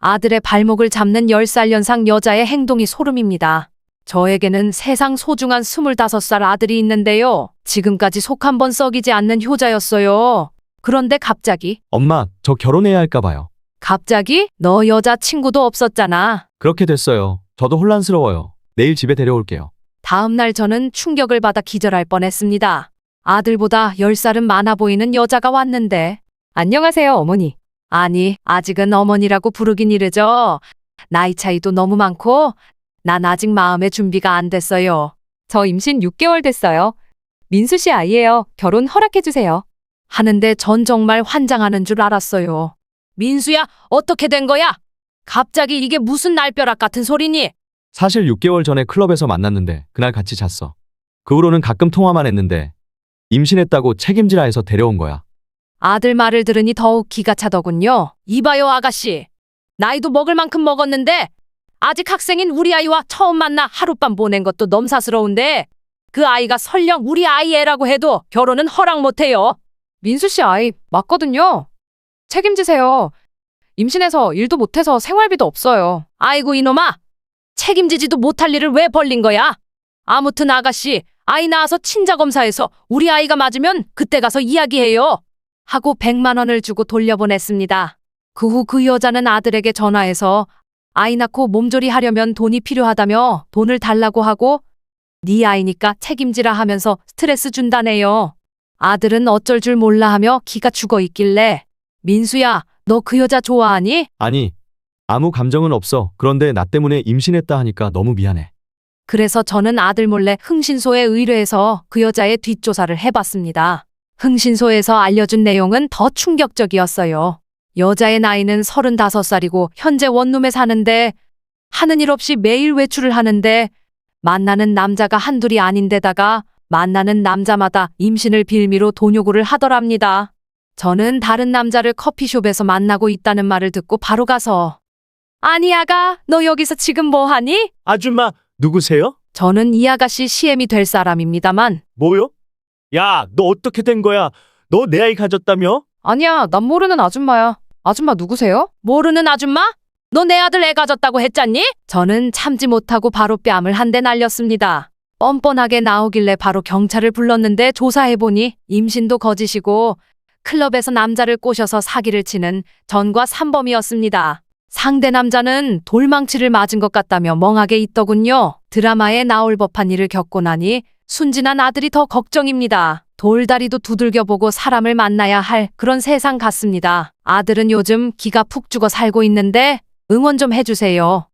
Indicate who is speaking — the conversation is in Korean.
Speaker 1: 아들의 발목을 잡는 10살 연상 여자의 행동이 소름입니다. 저에게는 세상 소중한 25살 아들이 있는데요. 지금까지 속 한 번 썩이지 않는 효자였어요. 그런데 갑자기,
Speaker 2: 엄마, 저 결혼해야 할까 봐요.
Speaker 1: 갑자기? 너 여자친구도 없었잖아.
Speaker 2: 그렇게 됐어요. 저도 혼란스러워요. 내일 집에 데려올게요.
Speaker 1: 다음 날 저는 충격을 받아 기절할 뻔했습니다. 아들보다 10살은 많아 보이는 여자가 왔는데, 안녕하세요, 어머니. 아니, 아직은 어머니라고 부르긴 이르죠. 나이 차이도 너무 많고, 난 아직 마음의 준비가 안 됐어요. 저 임신 6개월 됐어요. 민수 씨 아이예요. 결혼 허락해주세요. 하는데 전 정말 환장하는 줄 알았어요. 민수야, 어떻게 된 거야? 갑자기 이게 무슨 날벼락 같은 소리니?
Speaker 2: 사실 6개월 전에 클럽에서 만났는데 그날 같이 잤어. 그 후로는 가끔 통화만 했는데 임신했다고 책임지라 해서 데려온 거야.
Speaker 1: 아들 말을 들으니 더욱 기가 차더군요. 이봐요, 아가씨. 나이도 먹을 만큼 먹었는데 아직 학생인 우리 아이와 처음 만나 하룻밤 보낸 것도 넘사스러운데 그 아이가 설령 우리 아이 애라고 해도 결혼은 허락 못해요. 민수 씨 아이 맞거든요. 책임지세요. 임신해서 일도 못해서 생활비도 없어요. 아이고 이놈아. 책임지지도 못할 일을 왜 벌린 거야? 아무튼 아가씨, 아이 낳아서 친자검사해서 우리 아이가 맞으면 그때 가서 이야기해요. 하고 100만 원을 주고 돌려보냈습니다. 그 후 그 여자는 아들에게 전화해서 아이 낳고 몸조리 하려면 돈이 필요하다며 돈을 달라고 하고 네 아이니까 책임지라 하면서 스트레스 준다네요. 아들은 어쩔 줄 몰라 하며 기가 죽어 있길래 민수야, 너 그 여자 좋아하니?
Speaker 2: 아니, 아무 감정은 없어. 그런데 나 때문에 임신했다 하니까 너무 미안해.
Speaker 1: 그래서 저는 아들 몰래 흥신소에 의뢰해서 그 여자의 뒷조사를 해봤습니다. 흥신소에서 알려준 내용은 더 충격적이었어요. 여자의 나이는 35살이고 현재 원룸에 사는데 하는 일 없이 매일 외출을 하는데 만나는 남자가 한둘이 아닌데다가 만나는 남자마다 임신을 빌미로 돈 요구를 하더랍니다. 저는 다른 남자를 커피숍에서 만나고 있다는 말을 듣고 바로 가서 아니 아가, 너 여기서 지금 뭐하니?
Speaker 3: 아줌마, 누구세요?
Speaker 1: 저는 이 아가씨 CM이 될 사람입니다만
Speaker 3: 뭐요? 야, 너 어떻게 된 거야? 너 내 아이 가졌다며?
Speaker 1: 아니야, 난 모르는 아줌마야. 아줌마 누구세요? 모르는 아줌마? 너 내 아들 애 가졌다고 했잖니? 저는 참지 못하고 바로 뺨을 한 대 날렸습니다. 뻔뻔하게 나오길래 바로 경찰을 불렀는데 조사해보니 임신도 거짓이고 클럽에서 남자를 꼬셔서 사기를 치는 전과 삼범이었습니다. 상대 남자는 돌망치를 맞은 것 같다며 멍하게 있더군요. 드라마에 나올 법한 일을 겪고 나니 순진한 아들이 더 걱정입니다. 돌다리도 두들겨보고 사람을 만나야 할 그런 세상 같습니다. 아들은 요즘 기가 푹 죽어 살고 있는데 응원 좀 해주세요.